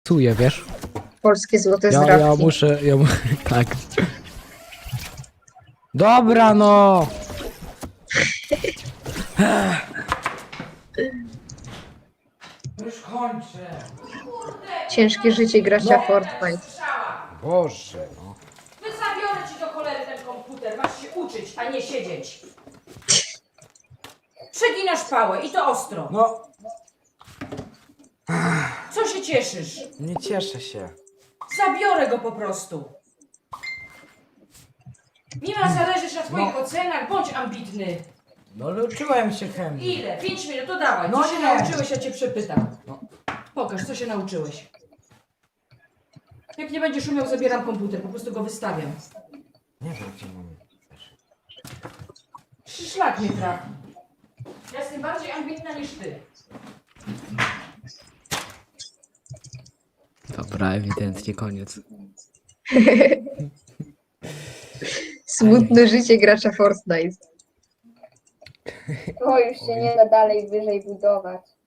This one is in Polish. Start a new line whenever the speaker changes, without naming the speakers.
Psuję, wiesz?
Polskie złote
Ja
zdrabki.
muszę, tak. Dobra, no! Już kończę.
Ciężkie życie gracza
No.
Fortnite.
Boże, no.
Zabiorę ci do cholery ten komputer. Masz się uczyć, a nie siedzieć. Przeginasz pałę i to ostro.
No,
Co się cieszysz?
nie cieszę się.
Zabiorę go po prostu. Nie ma zależeć na twoich ocenach, bądź ambitny.
No, ale uczyłem się chemii.
Ile? 5 minut, to dawaj.
No
Co się
nie.
nauczyłeś, ja cię przepytam.
No.
Pokaż, co się nauczyłeś. Jak nie będziesz umiał, zabieram komputer, po prostu go wystawiam.
Nie wiem, gdzie mam.
Szlak mnie trafi. Ja jestem bardziej ambitna niż ty.
Dobra, ewidentnie koniec.
Smutne życie gracza Fortnite.
O, już się nie da dalej wyżej budować.